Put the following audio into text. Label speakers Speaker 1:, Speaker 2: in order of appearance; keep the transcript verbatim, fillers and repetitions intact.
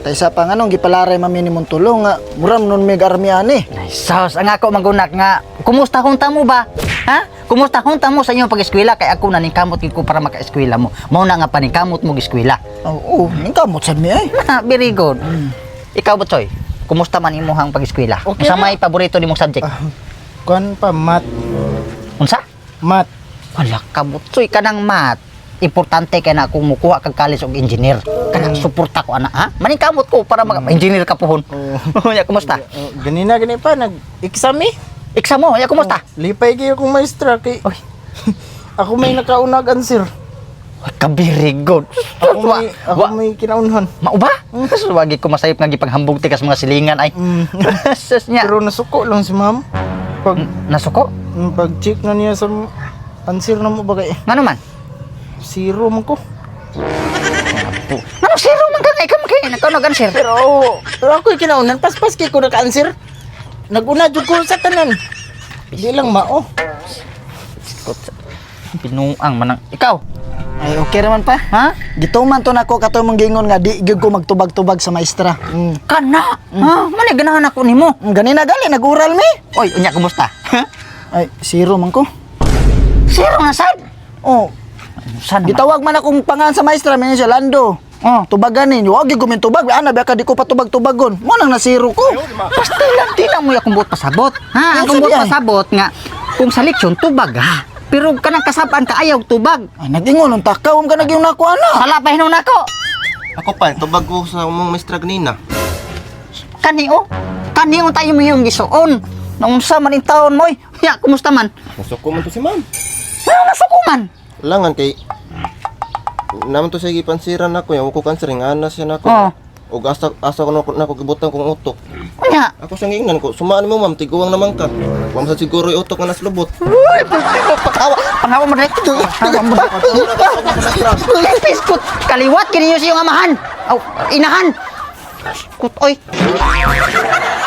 Speaker 1: Taysa pa nga nung gipalaray mami nimong tulong nga muram nun mig army ani.
Speaker 2: Ay, sus, ang ako magunak nga, kumusta hunta mo ba? Ha? Kumusta hunta mo sa inyong pag-eskwela? Kay ako naningkamot ko para maka-eskwela mo. Mao na nga paningkamot mo eskwela.
Speaker 1: Oo, oh, ningkamot sad mi ay.
Speaker 2: Very good. Ikaw, Butsoy, kumusta man imong pag-eskwela?
Speaker 3: Okay
Speaker 2: Unsa
Speaker 3: na.
Speaker 2: may paborito nimong subject?
Speaker 3: Ah, kuan pa, mat.
Speaker 2: Unsa?
Speaker 3: Mat.
Speaker 2: Wala ka, Butsoy, kanang mat. Importante kay na kung mukuha kag college og engineer. Kanang suporta ko ana, ha? Maningkamot ko para mag-engineer ka pohon.
Speaker 3: Oo.
Speaker 2: Ya, kumusta?
Speaker 3: Oh, ganina, gani pa, nag-exam eh.
Speaker 2: Exam mo, ya, kumusta?
Speaker 3: Lipay kayo kung maestra kay...
Speaker 2: Oy.
Speaker 3: Ako may nakaunag answer.
Speaker 2: Ka very good.
Speaker 3: Ako
Speaker 2: Wa,
Speaker 3: may, ako
Speaker 2: wa,
Speaker 3: may kinaunhan.
Speaker 2: mauba? Kasi wagi ko masayop nga gipaghambog ti kas mga silingan ay.
Speaker 3: Mm.
Speaker 2: Sus niya.
Speaker 3: Pero nasuko lang si ma'am. Pag,
Speaker 2: Nasuko?
Speaker 3: mm, pag-check na niya sa answer na mo ba kay
Speaker 2: Ngano man?
Speaker 3: zero man ko.
Speaker 2: Ngano zero man ka nga ikaw kay nakanog answer.
Speaker 3: Pero, pero ako yung kinaunan. Pas-pas kay ko naka-answer. Nag-una jud ko sa tanan. Di lang mao.
Speaker 2: Pinuang manang ikaw.
Speaker 1: Ay okay raman pa.
Speaker 2: Ha?
Speaker 1: Gituman to nako kato mong gingon nga di gyud ko magtubag-tubag sa maestra. Mm.
Speaker 2: Kana. Ha? Mani ganahan ako nimo.
Speaker 1: Mm, Ganina gali nag-ural mi.
Speaker 2: Oy, unya kumusta?
Speaker 1: Ay zero man ko.
Speaker 2: Zero nga sad.
Speaker 1: Oh,
Speaker 2: Sana.
Speaker 1: gitawag man akong pangan sa maestra mi siya Lando.
Speaker 2: Oh.
Speaker 1: Tubagan ninyo, wag gyud ko min tubag. Ana ba ka di ko patubag-tubagon. Mo nang na zero ko.
Speaker 2: Basta lang di na mo akong buot pasabot. Ha?
Speaker 1: Ano
Speaker 2: Akong buot
Speaker 1: sabi ay?
Speaker 2: pasabot nga kung sa leksyon tubag ha. Pero kanang kasabaan ka ayaw tubag.
Speaker 1: Ay nagingon ng takaw ka nagyong nako ana.
Speaker 2: Sala pa hinon nako.
Speaker 4: Ako pa, tubag ko sa mong maestra ganina.
Speaker 2: Kaniyo. Kaniyo tayo mo yung gisuon. Naunsa man in taon mo. Ya, kumusta man?
Speaker 4: Nasuko man to si ma'am.
Speaker 2: Ano nasukuman?
Speaker 4: Langan kay naman to siya gipansiran ako, yung ko cancer nga na siya nako.
Speaker 2: Oo.
Speaker 4: O asa asa ko nako nako gibutan kong utok.
Speaker 2: Unya.
Speaker 4: Ako siyang ingnan ko, sumaan mo ma'am, tiguang naman ka. Wa sa siguro yung utok nga naslubot.
Speaker 2: Uy, pagkawa. Pangawa mo direct. Pangawa mo. Piskut. Kaliwat kini yung amahan. Aw, inahan. Piskut, oy.